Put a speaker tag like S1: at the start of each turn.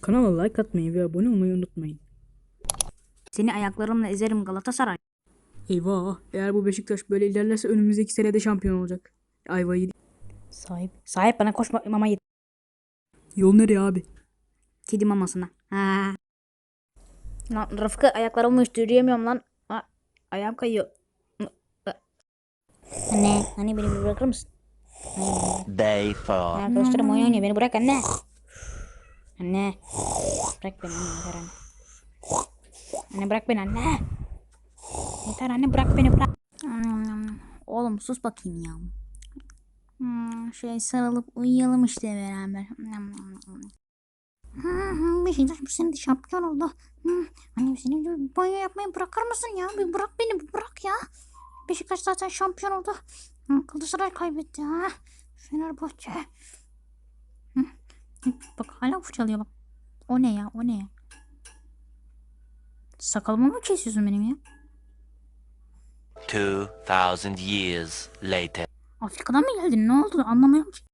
S1: Kanala like atmayı ve abone olmayı unutmayın.
S2: Seni ayaklarımla ezerim Galatasaray.
S1: Eyvah, eğer bu Beşiktaş böyle ilerlerse önümüzdeki senede şampiyon olacak. Ayvayı yedik.
S2: Sahip bana koşma mama yedi.
S1: Yol nereye abi?
S2: Kedi mamasına. Ha. Lan Rıfkı ayaklarımı üstü yürüyemiyorum lan. Ayağım kayıyor. Anne beni bir bırakır mısın?
S3: Day 4.
S2: Arkadaşlarım oyun oynuyor, beni bırak anne. Anne. Bırak beni anne, yeter anne. Anne bırak beni anne. Yeter anne, bırak beni bırak. Oğlum sus bakayım ya. Sarılıp uyuyalım işte beraber. Beşiktaş bu sene de şampiyon oldu. Annem senin gibi banyo yapmayı bırakır mısın ya? Bir bırak beni, bir bırak ya. Beşiktaş zaten şampiyon oldu. Galatasaray kaybetti ha. Fenerbahçe. Bak hala fırçalıyor bak. O ne ya? O ne ya? Sakalımı mı kesiyorsun benim ya?
S3: 2000 years later.
S2: Afrika'dan mı geldin? Ne oldu? Anlamıyorum ki.